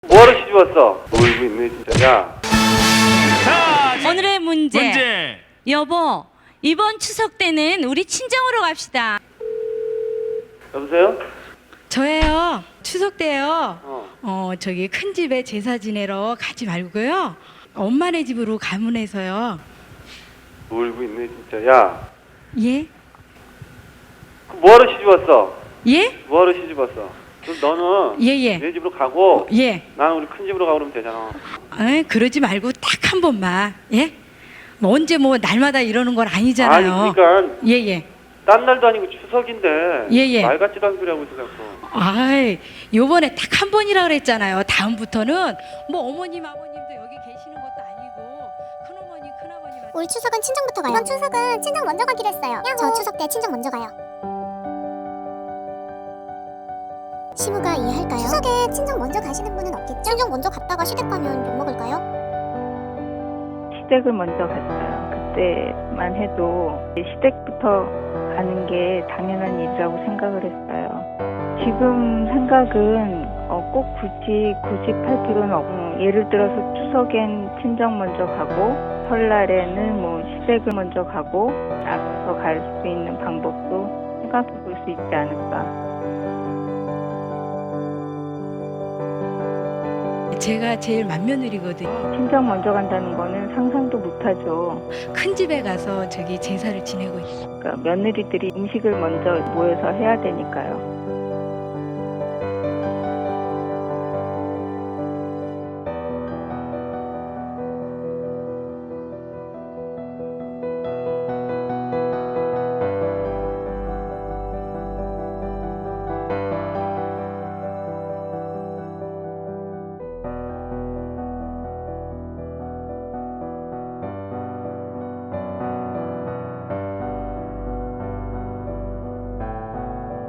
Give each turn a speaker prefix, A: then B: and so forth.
A: 뭐하러 시집 왔어? 놀고 있네 진짜. 야,
B: 자,
C: 오늘의 문제.
B: 문제.
C: 여보, 이번 추석 때는 우리 친정으로 갑시다.
A: 여보세요?
D: 저예요. 추석 때요.
A: 어.
D: 저기 큰 집에 제사 지내러 가지 말고요. 엄마네 집으로 가문해서요.
A: 놀고 있네 진짜. 야,
D: 예?
A: 뭐하러 시집 왔어?
D: 예?
A: 뭐하러 시집 왔어? 그럼 너는
D: 예.
A: 내 집으로 가고
D: 예.
A: 나는 우리 큰 집으로 가고 그러면 되잖아.
D: 에이, 그러지 말고 딱 한 번만. 예? 뭐 언제 뭐 날마다 이러는 건 아니잖아요.
A: 아니 그러니까
D: 예.
A: 딴 날도 아니고 추석인데
D: 예.
A: 말 같지도 않은 소리 하고 있어 자꾸.
D: 아이, 요번에 딱 한 번이라 그랬잖아요. 다음부터는 뭐 어머님 아버님도 여기 계시는 것도 아니고 큰어머니 큰아버님
E: 올 추석은 친정부터 가요. 이번 추석은 친정 먼저 가기로 했어요. 저 추석 때 친정 먼저 가요. 시부가 이해할까요? 추석에 친정 먼저 가시는 분은 없겠죠? 친정 먼저 갔다가 시댁 가면 욕먹을까요?
F: 시댁을 먼저 갔어요. 그때만 해도 시댁부터 가는 게 당연한 일이라고 생각을 했어요. 지금 생각은 꼭 굳이 고집할 필요는 없고, 예를 들어서 추석엔 친정 먼저 가고 설날에는 뭐 시댁을 먼저 가고 나가서 갈 수 있는 방법도 생각해 볼 수 있지 않을까.
D: 제가 제일 맏며느리거든요.
F: 친정 먼저 간다는 거는 상상도 못하죠.
D: 큰 집에 가서 저기 제사를 지내고 있어요.
F: 그러니까 며느리들이 음식을 먼저 모여서 해야 되니까요.